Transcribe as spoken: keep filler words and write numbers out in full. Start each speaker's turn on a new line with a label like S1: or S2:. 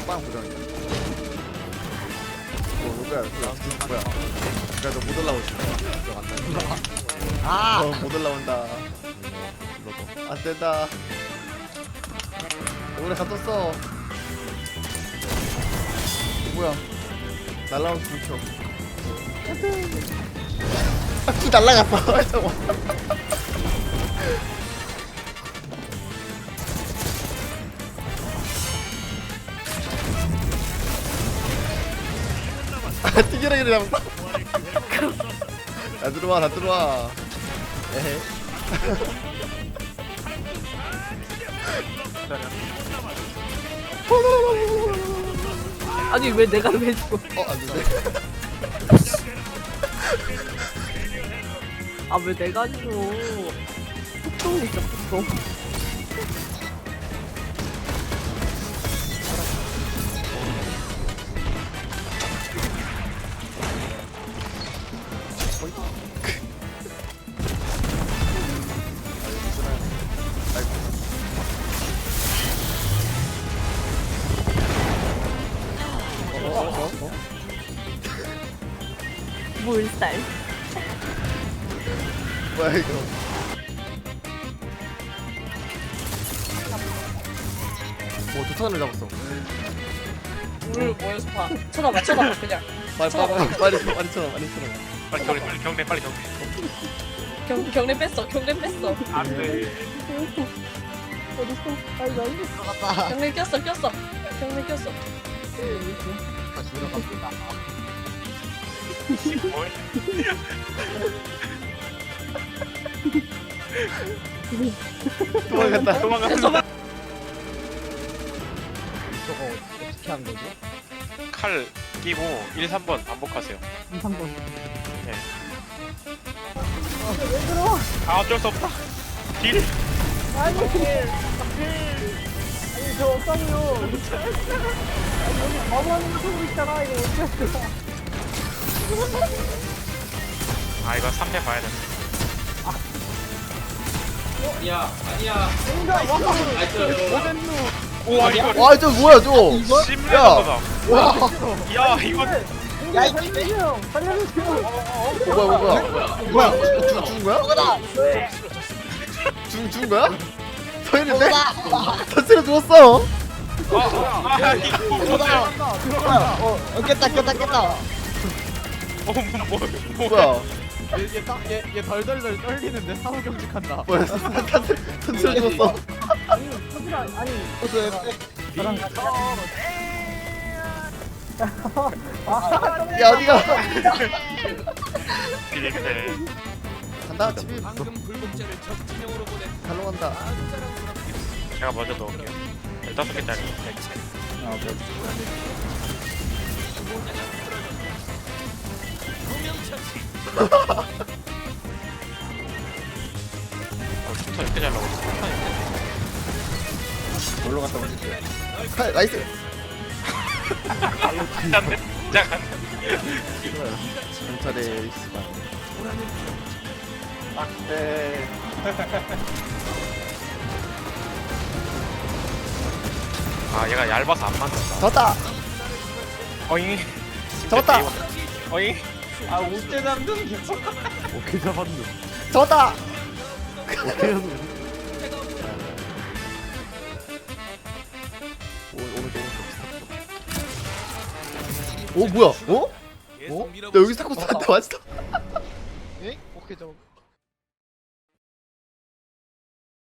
S1: 빵 고정이다. 오 누구야? 누구야? 뭐야? 그래 너못 올라오지.
S2: 아!
S1: 어, 못 올라온다. 안 된다. 오래 갇혔어. 뭐야? 날라온 불켜. 바퀴 날라갔어. 저거. 아, 튀겨라 이래 잡았다. 다 들어와, 다 들어와. 에헤.
S3: 아니 왜 내가 왜 죽어?
S1: 어, 안 되네.
S3: 아 왜 내가 죽어? 폭동이 있어 폭동. 물살.
S1: 뭐야 이거? 오, 도탄을 잡았어.
S4: 물 모여서 봐. 쳐다봐, 쳐다봐, 그냥.
S1: 빨리 빨리 빨리 빨리 쳐, 빨리 쳐, 빨리 쳐.
S5: 빨리 경례 빨리 경례 빨리 경례.
S4: 경, 경례 뺐어, 경례 뺐어.
S5: 안돼.
S3: 어딨어? 아니 나 이거
S2: 들어갔다.
S4: 경례 꼈어, 꼈어. 경례 꼈어.
S2: 다시 들어갑니다.
S5: 뭘?
S1: 도망갔다.
S5: 도망가.
S4: 저거
S2: 저거 어떻게 한 거지?
S5: 칼 끼고 일, 삼 번 반복하세요.
S3: 이상 거.
S5: 네. 아 어쩔 수 없다. 딜.
S3: 아니 아니 저 없다고요. 아니 여기 바보하는 거 보고 있잖아 이거 어떻게 해?
S5: 아 이거 삼 대 봐야 돼. 오 아니 이거
S1: 와, 저 뭐야 저?
S5: 심리하다. 야 이거
S2: 야, 이
S3: 살려주세요. 살려주세요.
S1: 어, 뭐야 뭐야 뭐야? 뭐야? 죽 죽은 거야? 죽 죽은 거야? 서 있는데? 터치를 죽었어.
S5: 아 이거
S2: 들어가. 들어가. 어, 어, 깼다, 깼다, 깼다.
S5: 어뭐
S1: 뭐야?
S6: 얘얘얘 덜덜덜 떨리는데 사후 경직한다.
S1: 뭐야? 터치를 죽었어.
S3: 아니 터지라 아니 저랑
S1: 야 어디가?
S5: 비리패.
S1: 간다 집이. 갈로 간다.
S5: 제가 먼저 넣을게요. 열다섯 개짜리. 어, 슈터 이렇게 잘 나오지.
S1: 놀러 갔다 오지. 칼 나이스.
S5: 안돼. 시작한.
S1: 경찰의 에이스가. 네.
S5: 아 얘가 얇아서 안 맞는다.
S1: 졌다.
S5: 어잉.
S1: 잡았다.
S5: 어잉.
S6: 아 못대 남는 계속. 오케이 잡았네.
S1: 졌다. 오, 오른쪽 오른쪽. 오 뭐야? 어? 어? 나 여기 자꾸 나한테 왔어.
S2: 에? 오케이, 잡았.